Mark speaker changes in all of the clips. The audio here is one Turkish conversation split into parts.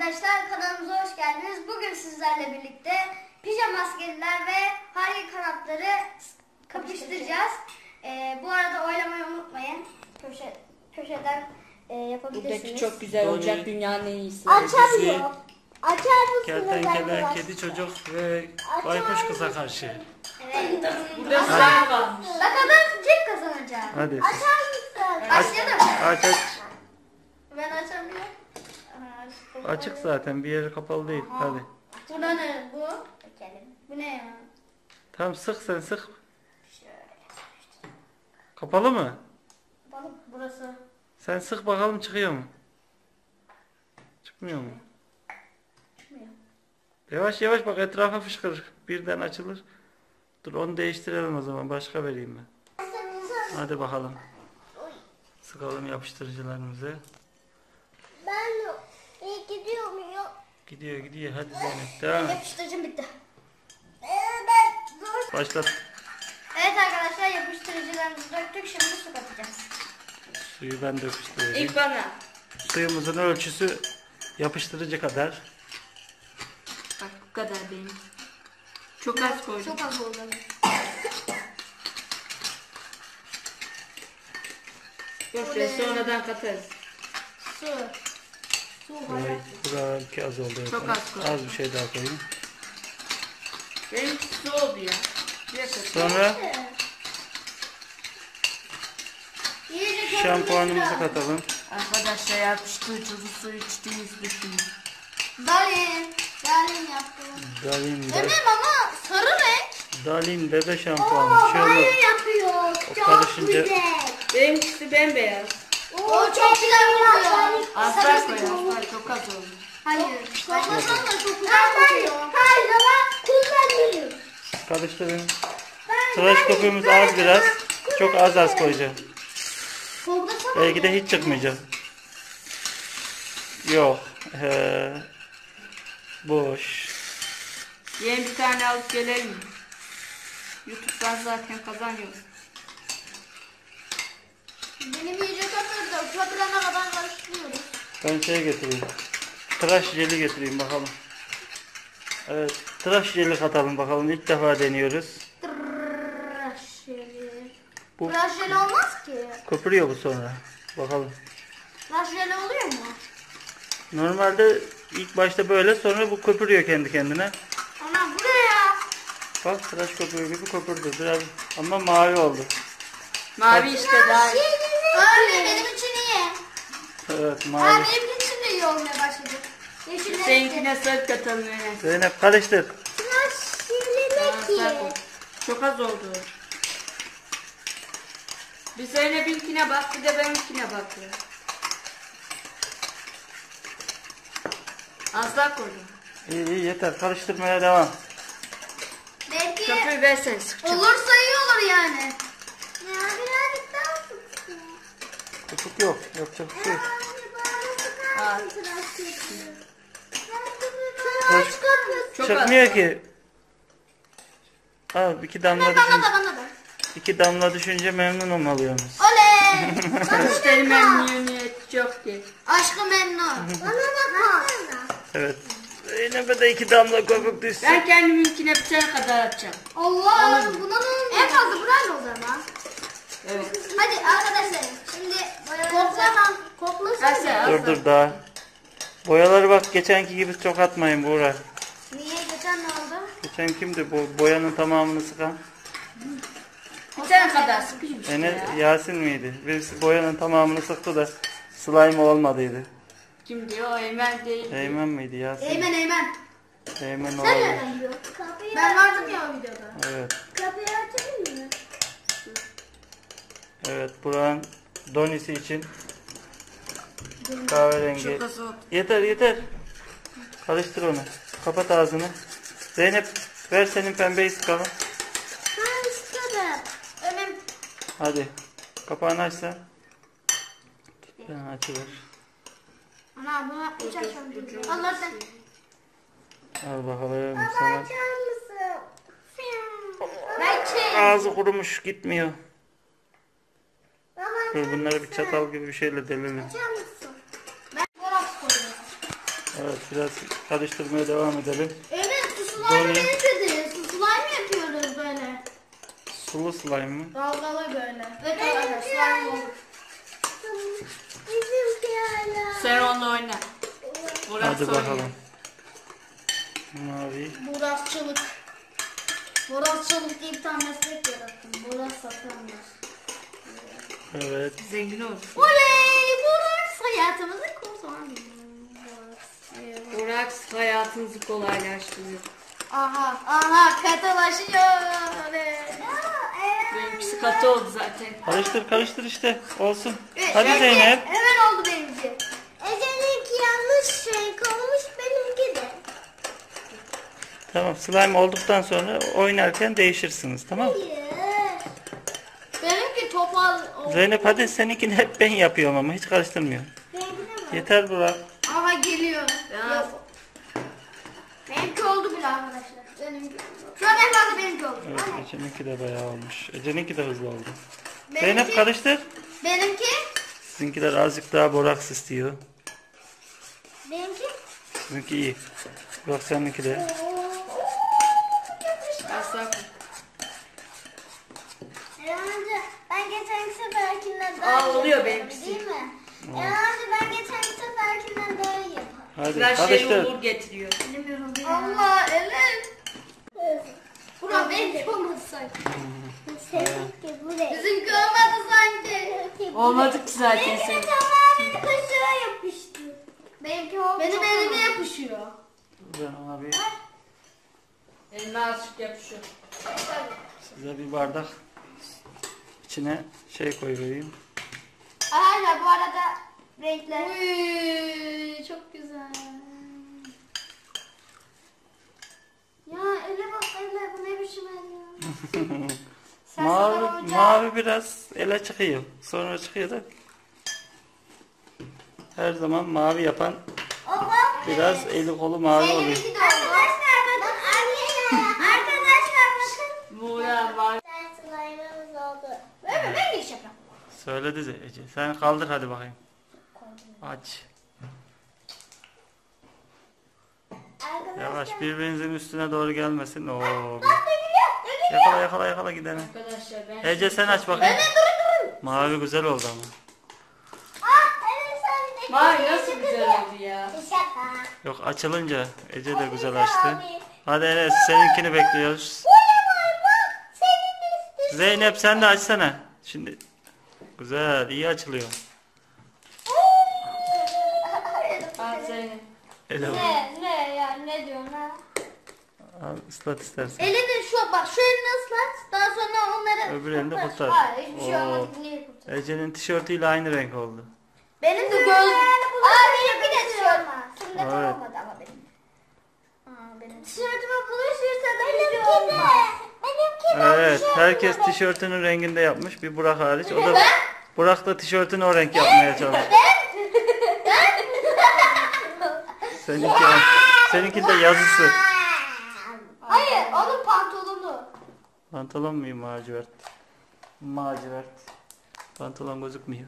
Speaker 1: arkadaşlar, kanalımıza hoş geldiniz. Bugün sizlerle birlikte pijama askeriler ve harika kanatları kapıştıracağız. Bu arada oylamayı unutmayın. Köşeden yapabilirsiniz.
Speaker 2: Buradaki çok güzel olacak, dünyanın en iyisi.
Speaker 1: Açamıyor. Açar mısınız
Speaker 3: Kertenkele,
Speaker 1: arkadaşlar?
Speaker 3: kedi çocuk ve baykuş kıza karşı.
Speaker 1: Evet.
Speaker 2: Burada slime varmış.
Speaker 1: Bakalım kim kazanacak?
Speaker 3: Hadi.
Speaker 1: Açar mısın? Başlayalım.
Speaker 3: Aç aç.
Speaker 1: Ben açamıyorum.
Speaker 3: Açık zaten, bir yeri kapalı değil. Hadi.
Speaker 1: Bu ne bu? Bu ne ya?
Speaker 3: Tamam, sık sen sık. Kapalı mı?
Speaker 1: Balık burası.
Speaker 3: Sen sık bakalım, çıkıyor mu? Çıkmıyor mu?
Speaker 1: Çıkmıyor.
Speaker 3: Yavaş yavaş bak, etrafa fışkırır. Birden açılır. Dur, onu değiştirelim o zaman. Başka vereyim ben. Hadi bakalım. Sıkalım yapıştırıcılarımızı.
Speaker 1: Ben gidiyor muyum?
Speaker 3: Gidiyor gidiyor. Hadi Zeynep, devam et.
Speaker 1: Yapıştırıcım bitti.
Speaker 3: Başlat.
Speaker 1: Evet arkadaşlar, yapıştırıcılarımızı döktük. Şimdi su katacağız.
Speaker 3: Suyu ben döküştüreyim.
Speaker 2: İlk bana.
Speaker 3: Suyumuzun ölçüsü yapıştırıcı kadar.
Speaker 2: Bak bu kadar benim. Çok az koydum.
Speaker 1: Çok az oldu.
Speaker 2: Yok be, sonradan katarız.
Speaker 1: Su. Su hayat.
Speaker 3: Buraya az oldu.
Speaker 2: Çok az koy.
Speaker 3: Az bir şey daha koyayım.
Speaker 2: Benimki su oldu ya. Bir dakika.
Speaker 3: Sonra
Speaker 1: İyice
Speaker 3: şampuanımızı katalım.
Speaker 2: Arkadaşlar yapıştırıcılı su içtiğiniz düşünün.
Speaker 1: Dalin. Dalin yaptım.
Speaker 3: Dalin be.
Speaker 1: Benim ama sarı renk.
Speaker 3: Dalin bebe şampuanı. Şöyle
Speaker 1: yapıyor.
Speaker 3: o karışınca
Speaker 2: Benimkisi bembeyaz.
Speaker 1: O çok güzel oluyor.
Speaker 2: Aslar koy, aslar çok az oldu.
Speaker 1: Hayır. Koymasan da çok güzel kokuyor. Hayır ama kullanıyorum.
Speaker 3: karıştırın. Tıraş köpüğümüz az biraz. Çok az koyacağım. Belki de hiç çıkmayacak. Yok. Boş.
Speaker 2: Yeni bir tane alıp gelelim mi? YouTube'dan zaten kazanıyoruz.
Speaker 1: Benim iyice köpürdü. Köpürene kadar karıştırıyoruz.
Speaker 3: Ben şey getireyim. Tıraş jeli getireyim bakalım. Evet. Tıraş jeli katalım bakalım. İlk defa deniyoruz.
Speaker 1: Tıraş jeli.
Speaker 3: Bu
Speaker 1: Tıraş jeli olmaz ki.
Speaker 3: köpürüyor bu sonra. Bakalım.
Speaker 1: Tıraş jeli oluyor mu?
Speaker 3: Normalde ilk başta böyle, sonra bu köpürüyor kendi kendine.
Speaker 1: Ana bu ne ya?
Speaker 3: Bak, tıraş köpüğü gibi köpürdü biraz ama mavi oldu.
Speaker 2: Mavi işte daha iyi.
Speaker 1: Öyle benim için iyi.
Speaker 3: Evet,
Speaker 1: Ha,
Speaker 3: mavi.
Speaker 1: benim için de iyi olmaya başladı. Yeşil
Speaker 2: Seninkine sarı katalım yani.
Speaker 3: Zeynep karıştır.
Speaker 1: Tıraş jeli
Speaker 2: Aslar koy. Çok az oldu. Bir Zeynep'inkine bak, bir de benimkine bak ya. Aslar koydum.
Speaker 3: İyi iyi, yeter, karıştırmaya devam.
Speaker 1: Belki
Speaker 2: Köpüğü versene sıkacağım.
Speaker 1: olursa iyi olur yani. Ya birazcık daha sıksın.
Speaker 3: Köpük yok, yapacak bir şey yok.
Speaker 1: Tıraş köpüğü.
Speaker 2: Çok
Speaker 3: Çıkmıyor ki. Al,
Speaker 1: Bana da.
Speaker 3: iki damla düşünce memnun olmalıyız.
Speaker 1: Oley.
Speaker 2: Müşteri memnuniyeti çok değil.
Speaker 1: Aşkı memnun. Bana bak.
Speaker 3: Evet. Zeynep'e de iki damla köpük düşsün.
Speaker 2: Ben kendiminkine bir tane kadar atacağım.
Speaker 1: Allah, buna ne oldu? En fazla burayla o zaman.
Speaker 2: Evet.
Speaker 1: Hadi arkadaşlar, şimdi koklasana.
Speaker 2: Aslar,
Speaker 3: Dur daha. Boyaları bak, geçenki gibi çok atmayın Buğra.
Speaker 1: Niye, geçen ne oldu?
Speaker 3: Geçen kimdi bu boyanın tamamını sıkan?
Speaker 2: Bir tane kadar sıkayım işte ya.
Speaker 3: Yasin miydi? Birisi boyanın tamamını sıktı da slime olmadıydı.
Speaker 2: Kim diyor? O Eymen değil.
Speaker 3: Eymen miydi, Yasin?
Speaker 1: Eymen.
Speaker 3: Eymen
Speaker 1: Sen
Speaker 3: olabilir.
Speaker 1: nereden biliyorsun? Ben vardım ya o videoda.
Speaker 3: Evet.
Speaker 1: Kapıyı açayım mı?
Speaker 3: Evet, buranın donisi için kahverengi.
Speaker 2: Çok az oldu.
Speaker 3: Yeter. Karıştır onu. Kapat ağzını. Zeynep, ver senin pembeyi sıkalım.
Speaker 1: Ben istedim. Önüm.
Speaker 3: Hadi. Kapağını aç sen. Ben açılır.
Speaker 1: Ana buna hiç açmadım. Allah sen.
Speaker 3: Al bakalım sana.
Speaker 1: mısın? Ben çek.
Speaker 3: Ağzı kurumuş, gitmiyor. Dur, bunları bir çatal gibi bir şeyle delelim.
Speaker 1: Açar mısın? Ben fotoğraf koyuyorum.
Speaker 3: Evet, biraz karıştırmaya devam edelim.
Speaker 1: Evet, su slime
Speaker 3: Doğru.
Speaker 1: benim dedi. Su slime yapıyoruz böyle.
Speaker 3: Sulu slime mı?
Speaker 1: Dalgalı böyle. Ve dalgalı slime olur. Bizimki hala.
Speaker 2: Sen onunla oyna. Burak
Speaker 3: Hadi
Speaker 2: oynuyor.
Speaker 3: bakalım. Mavi.
Speaker 1: Borazçılık. Borazçılık diye bir tane meslek yarattım. Boraz satanlar.
Speaker 3: Evet.
Speaker 2: Zengin olsun.
Speaker 1: Oley! Boraz hayatımızı kurtardı.
Speaker 2: Burak hayatınızı kolaylaştırıyor.
Speaker 1: Aha katılaşıyor.
Speaker 2: Benimkisi katı oldu zaten.
Speaker 3: Karıştır işte. Olsun. Hadi Zeynep.
Speaker 1: Hemen oldu benimki. Ece'ninki yanlış renk olmuş, benimki de.
Speaker 3: Tamam, slime olduktan sonra oynarken değişirsiniz, tamam mı?
Speaker 1: Benimki topal oldu.
Speaker 3: Zeynep hadi, seninkini hep ben yapıyorum ama hiç karıştırmıyorum.
Speaker 1: Benimki de mi?
Speaker 3: Yeter Burak.
Speaker 1: Aha geliyor.
Speaker 2: Ya.
Speaker 1: Yok. Benimki oldu bile arkadaşlar. Benimki. Şu an en fazla benimki oldu.
Speaker 3: Evet, Ece'ninki de bayağı olmuş. Ece'ninki de hızlı oldu.
Speaker 1: Benimki-
Speaker 3: Zeynep karıştır.
Speaker 1: Benimki.
Speaker 3: Sizinkiler azıcık daha boraks istiyor.
Speaker 1: Benimki.
Speaker 3: Sizinki iyi. Burak seninki de.
Speaker 2: Asla.
Speaker 1: Amca ben geçen seferkinden daha
Speaker 2: Aa,
Speaker 1: iyi
Speaker 2: oluyor
Speaker 1: yaparım,
Speaker 2: benimkisi.
Speaker 1: değil mi? Amca ben geçen seferkinden daha iyi yaparım.
Speaker 3: Hadi
Speaker 2: Her şey
Speaker 3: karıştır.
Speaker 2: uğur getiriyor.
Speaker 1: Allah elim. Burak benimki olmadı sanki.
Speaker 4: Seninki buraya.
Speaker 1: Bizimki olmadı sanki.
Speaker 2: Olmadı ki zaten
Speaker 4: Benimki
Speaker 2: senin.
Speaker 4: tamamen kaşığa yapıştı.
Speaker 1: Benimki oldu. Benim elime yapışıyor.
Speaker 3: Ben ona bir,
Speaker 2: Eline azıcık yapışıyor.
Speaker 3: size bir bardak içine şey koyayım.
Speaker 1: Arkadaşlar bu arada renkler. Uy, çok güzel. Ya ele bak ele, bu ne biçim el ya. Sen sana
Speaker 3: Mavi,
Speaker 1: hoca-
Speaker 3: mavi biraz ele çıkıyor. Sonra çıkıyor da. Her zaman mavi yapan biraz eli kolu mavi oluyor.
Speaker 1: Benimki de oldu.
Speaker 4: Arkadaşlar bakın. Arkadaşlar bakın.
Speaker 2: Buğra var.
Speaker 4: Sen slime'ımız oldu.
Speaker 1: Ben de iş yapıyorum.
Speaker 3: Söyledi Ece. Sen kaldır hadi bakayım. Aç.
Speaker 4: Arkadaşlar.
Speaker 3: Yavaş, birbirinizin üstüne doğru gelmesin. Oo.
Speaker 4: Dökülüyor.
Speaker 3: Yakala gidene.
Speaker 2: Arkadaşlar ben
Speaker 3: Ece sen aç bakayım. Mavi güzel oldu ama.
Speaker 4: Evet sen de.
Speaker 2: Vay nasıl güzel oldu ya.
Speaker 4: Şaka.
Speaker 3: Yok, açılınca Ece de güzel açtı. Hadi Enes, seninkini bekliyoruz.
Speaker 4: Bak senin üstün.
Speaker 3: Zeynep sen de açsana. Şimdi güzel, iyi açılıyor.
Speaker 2: Al Zeynep.
Speaker 3: Ele bak.
Speaker 1: Ne ya ne diyorsun ha?
Speaker 3: Al, ıslat istersen.
Speaker 1: Elini bak şu elini ıslat. Daha sonra onları
Speaker 3: Öbür elini kurtar.
Speaker 1: Hayır hiçbir şey
Speaker 3: Oo.
Speaker 1: olmaz. Niye kurtar?
Speaker 3: Ece'nin tişörtüyle aynı renk oldu.
Speaker 1: Benim de göz. Benimki de tişört. Sünnet
Speaker 3: Evet.
Speaker 1: olmadı ama benim. Benim tişörtüme bulaşırsa da
Speaker 4: Benimki de. Benimki de.
Speaker 3: Evet, herkes tişörtünün renginde yapmış. Bir Burak hariç. O da Burak da tişörtünü o renk yapmaya çalışıyor. Seninki de yazısı.
Speaker 1: Hayır, onun pantolonu.
Speaker 3: Pantolon muyum lacivert? Lacivert. Pantolon gözükmüyor.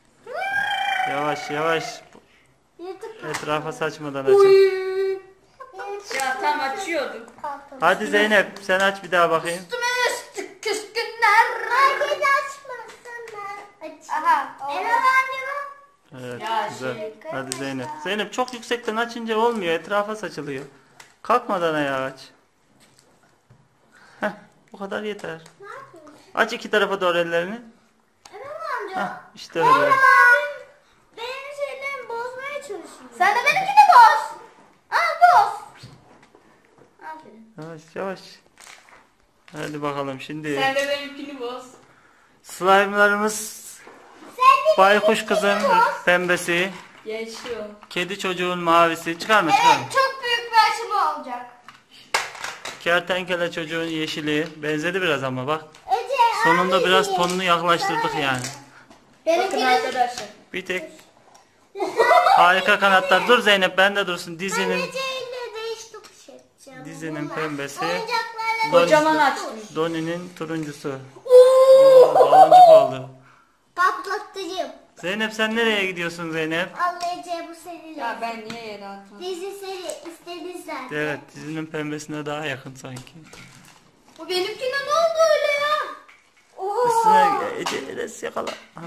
Speaker 3: Yavaş. Etrafa saçmadan açın.
Speaker 2: Ya tam açıyordum.
Speaker 3: Hadi Zeynep sen aç bir daha bakayım.
Speaker 1: Üstüme üstlük küskünler.
Speaker 4: Herkes açmasınlar.
Speaker 1: Aha.
Speaker 4: Eren anne bak.
Speaker 3: Evet
Speaker 2: Ya
Speaker 3: güzel.
Speaker 2: şey-
Speaker 3: Hadi Zeynep. Zeynep çok yüksekten açınca olmuyor. Etrafa saçılıyor. Kalkmadan ayağı aç. Heh, bu kadar yeter.
Speaker 4: Ne yapıyorsun?
Speaker 3: Aç iki tarafa doğru ellerini.
Speaker 4: Eren amca.
Speaker 3: Heh, işte öyle.
Speaker 4: Benim şeylerimi bozmaya çalışıyor.
Speaker 1: Sen de benimkini boz. Boz. Aferin.
Speaker 3: Yavaş. Hadi bakalım şimdi.
Speaker 2: Sen de benimkini boz.
Speaker 3: Slime'larımız baykuş kızın pembesi,
Speaker 2: Yaşıyor.
Speaker 3: kedi çocuğun mavisi. Çıkarma.
Speaker 1: Evet, çok büyük bir aşımı olacak.
Speaker 3: Kertenkele çocuğun yeşili. Benzedi biraz ama bak.
Speaker 4: Ece
Speaker 3: Sonunda
Speaker 4: abi.
Speaker 3: biraz tonunu yaklaştırdık yani.
Speaker 2: Bakın
Speaker 1: Benimkinin
Speaker 2: arkadaşlar.
Speaker 3: Bir tek harika kanatlar. Dur Zeynep, ben de dursun. Dizinin
Speaker 4: Ece ile değiş tokuş edeceğim.
Speaker 3: Dizinin
Speaker 4: Bunlar.
Speaker 3: pembesi.
Speaker 4: Oyuncaklarla
Speaker 2: Kocaman açtım.
Speaker 3: Donnie'nin turuncusu. Oo, baloncuk oldu.
Speaker 4: patlatıcı.
Speaker 3: Zeynep sen nereye gidiyorsun Zeynep?
Speaker 4: Allah'ıca bu senin.
Speaker 2: Ya ben niye yere attım?
Speaker 4: Dizi seri istedin zaten.
Speaker 3: Evet dizinin pembesine daha yakın sanki.
Speaker 1: Bu benimkine ne oldu öyle ya?
Speaker 3: Üstüne Enes yakala. Ha.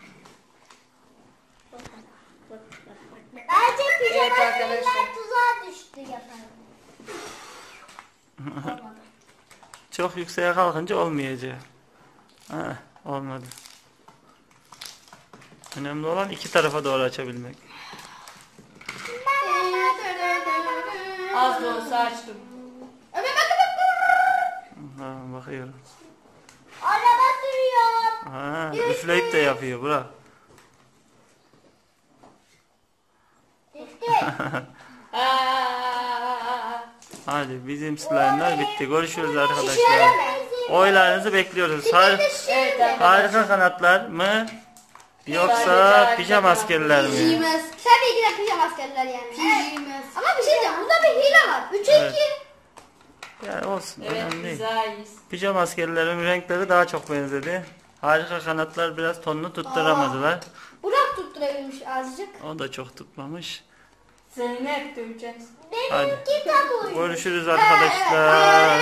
Speaker 4: Bence
Speaker 2: Evet
Speaker 4: pijama
Speaker 2: arkadaşlar.
Speaker 4: seriler tuzağa düştü yaparım.
Speaker 3: Çok yükseğe kalkınca olmayacak. Ha, olmadı. Önemli olan iki tarafa doğru açabilmek.
Speaker 2: Az da olsa açtım.
Speaker 1: Ömer bak.
Speaker 3: Ha, bakıyorum.
Speaker 4: Araba sürüyorum.
Speaker 3: Ha, üfleyip de yapıyor bırak.
Speaker 4: Düştü.
Speaker 3: Hadi bizim slime'lar bitti. Görüşürüz arkadaşlar. Oylarınızı bekliyoruz.
Speaker 2: Evet arkadaşlar.
Speaker 3: Harika kanatlar mı? Yoksa pijama askerler mi?
Speaker 1: Pijamaz. Sen de iki de pijama askerler yani. Pijamaz. Ama bir şey diyeceğim. Burada bir hile var. 3'e 2.
Speaker 3: Evet. Yani olsun
Speaker 2: Evet
Speaker 3: önemli değil.
Speaker 2: biz daha iyiyiz.
Speaker 3: Pijama askerlerin renkleri daha çok benzedi. Harika kanatlar biraz tonunu tutturamadılar.
Speaker 1: Burak tutturabilmiş azıcık.
Speaker 3: O da çok tutmamış.
Speaker 2: Seni ne hep döveceğiz?
Speaker 3: Hadi.
Speaker 4: Benimki tam uydu.
Speaker 3: Görüşürüz arkadaşlar.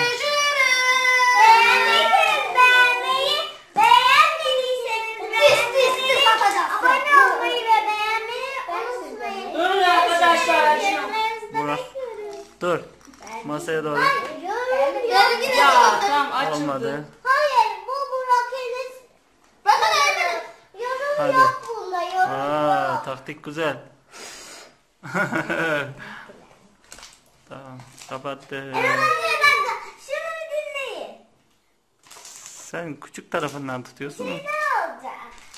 Speaker 4: Beğenmediyseniz abone olmayı ve beğenmeyi unutmayın.
Speaker 2: Durun arkadaşlar.
Speaker 3: Burak. Dur. Masaya doğru.
Speaker 2: Ya tam açıldı.
Speaker 3: Olmadı.
Speaker 4: Hayır, bu Burak Enes. Yorum
Speaker 3: Hadi.
Speaker 4: yok bunda, yorum
Speaker 3: Aa,
Speaker 4: yok.
Speaker 3: taktik güzel. Tamam. Kapattım.
Speaker 4: Şunu bir dinleyin.
Speaker 3: Sen küçük tarafından tutuyorsun mu?
Speaker 4: Ne olacak?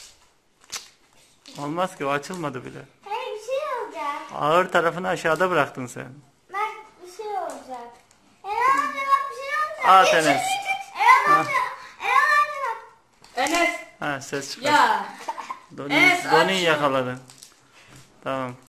Speaker 3: Olmaz ki o açılmadı bile.
Speaker 4: Hayır, bir şey olacak.
Speaker 3: Ağır tarafını aşağıda bıraktın sen.
Speaker 4: Bak, bir şey olacak. Erhan amca bak, bir şey olacak.
Speaker 3: At Enes.
Speaker 4: Erhan amca bak.
Speaker 2: Enes.
Speaker 3: Ha ses çıkar.
Speaker 2: Ya.
Speaker 3: Doni,
Speaker 2: Enes,
Speaker 3: Doni
Speaker 2: aç şunu.
Speaker 3: yakaladın. Tamam.